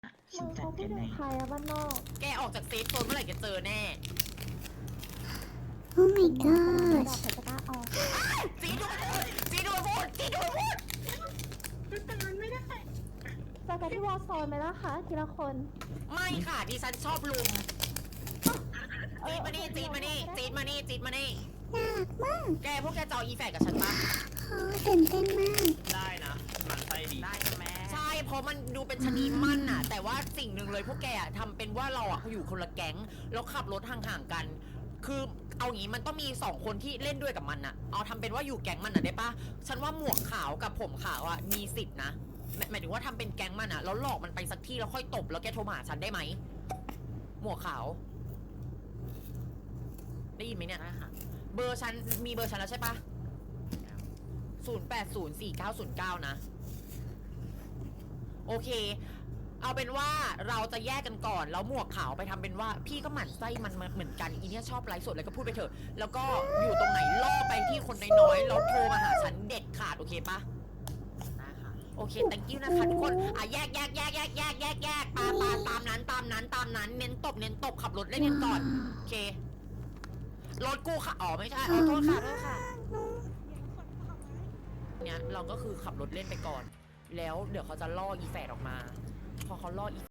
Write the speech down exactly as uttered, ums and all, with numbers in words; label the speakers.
Speaker 1: มึงเขาพูดถึงใครอะบ้านนอก
Speaker 2: แกออกจากเซฟโซนเมื่อไหร่จะเจอแน่
Speaker 3: โอ้ my
Speaker 1: ดา
Speaker 3: god
Speaker 1: บใครจะกล้าออก
Speaker 2: จีดูพูดจีดูพูดจีดูพูด
Speaker 1: แต่มันไม่ได้เจอกันที่วอลโซนไหมล่ะคะทีละคน
Speaker 2: ไม่ค่ะดิฉันชอบลุมจีดมานี่จีดมานี่จีดมานี่จีดมานี่
Speaker 3: ยากมาก
Speaker 2: แกพวกแกจะเอาอีแฝดกับฉันปะ
Speaker 3: โอ้ตื่นเต้นมาก
Speaker 4: ได้นะมันไส้ดีได้นะแม่
Speaker 2: ใช่เพราะมันดูเป็นชะนีมั่นน่ะ แต่ว่าสิ่งหนึ่งเลยพวกแกอะทำเป็นว่าเราอ่ะอยู่คนละแก๊งแล้วขับรถห่างๆกัน คือเอางี้มันต้องมีสองคนที่เล่นด้วยกับมันน่ะเอาทำเป็นว่าอยู่แก๊งมันน่ะได้ปะฉันว่าหมวกขาวกับผมขาวอ่ะมีสิทธินะหมายหมายถึงว่าทำเป็นแก๊งมันอ่ะแล้วหลอกมันไปสักที่แล้วค่อยตบแล้วแกโทรมาหาฉันได้ไหมหมวกขาวได้ยินไหมเนี่ยเบอร์ฉันมีเบอร์ฉันแล้วใช่ปะศูนย์แปดศูนย์สี่เก้าศูนย์เก้านะโอเคเอาเป็นว่าเราจะแยกกันก่อนแล้วหมวกขาวไปทำเป็นว่าพี่ก็หมั่นไส้มันเหมือนกันอีเนี่ยชอบไลฟ์สดแล้วก็พูดไปเถอะแล้วก็อยู่ตรงไหนล่อไปที่คนน้อยๆแล้วโทรมาหาฉันเด็ดขาดโอเคปะได้ค่ะโอเค thank you นะคะทุกคนอ่ะแยกแยกแยกแยกแยกแยกแยกปาปาตามนั้นตามนั้นตามนั้นเน้นตบเน้นตบขับรถเล่นกันก่อนโอเครถกูค่ะอ๋อไม่ใช่ขอโทษค่ะโทษค่ะเนี่ยเราก็คือขับรถเล่นไปก่อนแล้วเดี๋ยวเขาจะล่ออีแฝดออกมาพอเขาล่ออี